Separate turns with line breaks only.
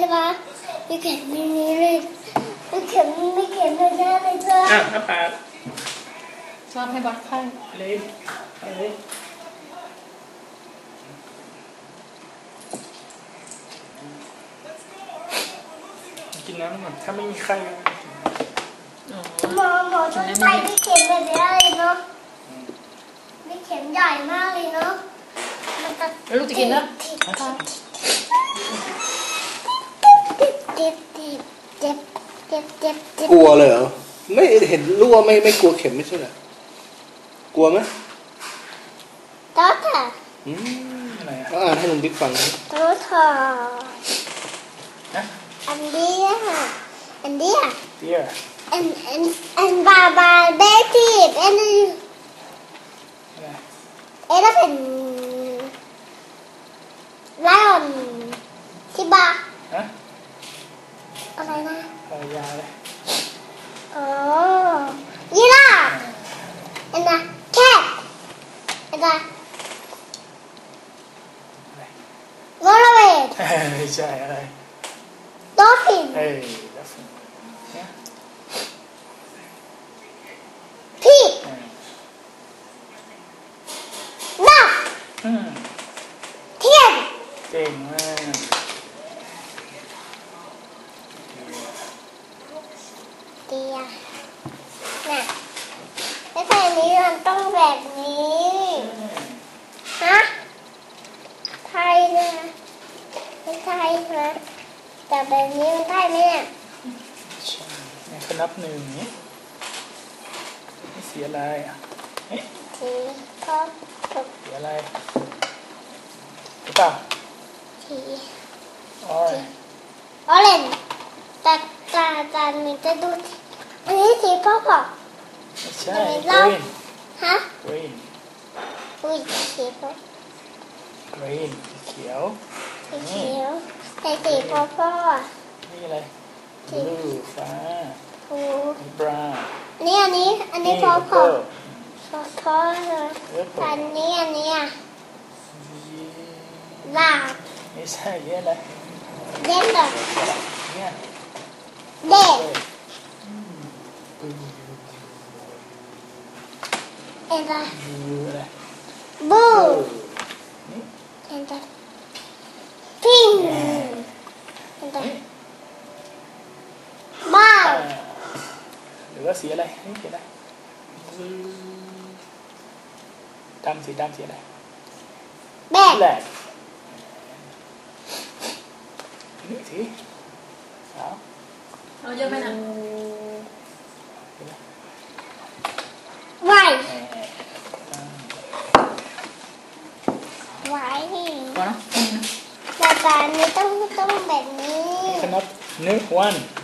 ใช่ปะมีเข็มมีนี้เลยมีเข็มเลยนะเลยจ้ะ
น้าปาก
ชอบให้วัดไข้
เลยเลยกินน้ำก่อนถ้าไม่มีไข้
หมอช่วยไปมีเข็มแบบนี้เลยเนาะมีเข็มใหญ่มากเลยเนาะ
แล้วลูกจะกินนะ
กลัวเลยเหรอไม่เห็นรั่วไม่กลัวเข็มไม่ใช่เหรอกลัวไหม
ต๊อดค่ะ
อะไร
อ่านให้ลุงบิ๊กฟัง
ต๊อดค่ะอันนี้ค่ะอันนี้อันบาเบบี้อันนี้เป็นไลออนที่บาอะไรนะ
ยาเลย
อ๋อยีราฟอันนั้นแคทอันนั้นวอลเลย์
ไม่ใช่อะไร
ดอลฟิน
ดอลฟิน
พีนักเทียน
เก่งมาก
เตียน่ะไม่ใช่นี้มันต้องแบบนี้ฮะไทยนะไม่ใช่นะแต่แบบนี้มันได้ไหมเนี่ย
ใช่เนี่ยเขานับหนึ่งนี้เสียอะไร
สีก็
เสียอะไรหรือเปล่า
สี
ออ
เรนจ์แต่จานมันจะดูอันนี้สีพ่อ
ไม่ใช่
green ฮะ
green
อุ้ยสีพ่อ
green สีเขียว
แต่สีพ่อ
นี่อะไร blue ฟ้า brown
อันนี้พ่อเลยอันนี้อ่ะลา
ไม่ใช่เยอะเลย
เด่นเลย
เนี่ย
เด่น
อะไร
บูเห็นไหมพิงเห็นไหมบ้า
หรือว่าสีอะไรนี่สีอะไรดำสีอะไร
แบก
นี่สี
เอาเยอะไหมนะ
ไว
พอนะ
แต่ตอนนี้ต้องแบบนี้
ขนับ1